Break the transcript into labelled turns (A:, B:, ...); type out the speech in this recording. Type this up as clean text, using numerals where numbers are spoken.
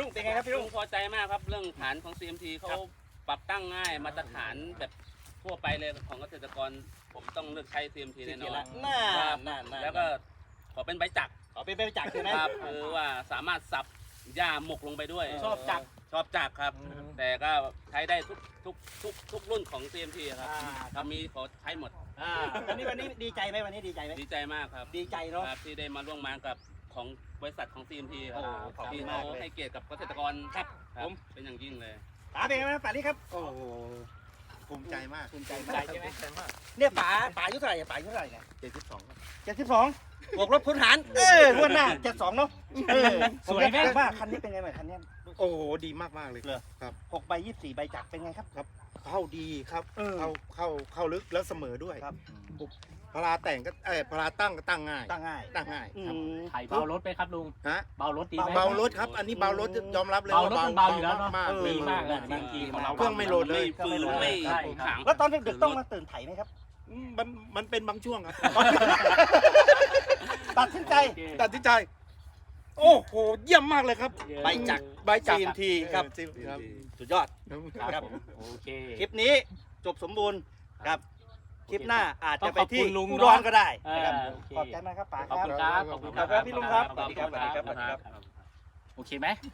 A: งเป็นไงครับพี่ลุง
B: พอใจมากครับเรื่องฐานของ CMT เขาปรับตั้งง่ายมาตรฐานแบบทั่วไปเลยของเกษตรกรผมต้องเลือกใช้ CMT แน่นอน
A: น่า
B: แล้วก็ขอเป็นใบจักร
A: ขอเป็นใบจักรใช่ไหม
B: ครับคือว่าสามารถสับหญ้าหมกลงไปด้วย
A: ชอบจักร
B: ชอบจักรครับ แต่ก็ใช้ได้ทุกรุ่นของ CMT ครับถ้ามีขอใช้หมด
A: วันนี้ดีใจไหมวันนี้ดีใจไหม
B: ดีใจมากครับ
A: ดีใจเนาะ
B: ครับที่ได้มาร่วมงานกับของบริษัทของ CMT ครับ
A: โอ้ขอบคุณ
B: ที่
A: มาก
B: เขา
A: เลย
B: ให้เกียรติกับเกษตรกร
A: ครับ
B: ครับ
A: ผม
B: เป็นอย่างยิ่งเลย
A: ป๋าเป็นไงบ้างป๋านี่ครับ
C: โอ้โหภูมิใจมาก
A: ภูมิใจมากใช่ไหม
C: ภูใจมาก
A: เนี่ยป๋าอายุเท่าไหร่ป๋าอายุเท่าไหร่เนี่ย
C: 72
A: 72บวกลบคูณหารงวดหน้า72เนาะสวยไหมว่าคันนี้เป็นไงบ้างคันนี้
C: โอ้โหดีมากมากๆเลย
A: เหรอ
C: ครับ
A: 6ใบ24ใบจักรเป็นไงครับ
C: เข้าดีครับ เข้าลึกแล้วเสมอด้วย
A: ครับ
C: พลาแต่งก็พลาตั้งก็ตั้งง่าย
A: ตั้งง่าย
C: ตั้งง่ายครับ
D: ไถเบารถไหมครับลุง
C: ฮะ
D: เบารถดีไหม
C: เบารถครับ อันนี้เบารถยอมรับเลย
D: เบารถมันเบาอยู่แล้วเนอะ
C: มาก
D: ดีมากเลยบางทีของเรา
C: เครื่องไม่โหลดเลย
B: ไม่ฝืนไม่
D: ใช่
B: ขัง
A: แล้วตอนดึกๆต้องมาตื่นไถไหมครับ
C: มันเป็นบางช่วงครับ
A: ตัดสินใจ
C: ตัดสินใจ โอ้โหเยี่ยมมากเลยครับ
A: ใบจักร
C: ใบจักร
A: CMT ครับ
C: ครับ
A: สุดยอด
D: ครับผมโอเค
A: คลิปนี้จบสมบูรณ์ครับ คลิปหน้าอาจจะไปที่
D: ต้องขอบคุณลุง
A: อุ
D: เน
A: ด
D: อะ
A: รก็ได้นะครับ
D: โอเค
A: ขอบใจมากครับป๋า
D: ขอบ
A: ครับ
D: คุณครับ
A: ขอบคุณครับพี่ลุงครับสวัสดีครับ
D: โอเคไหม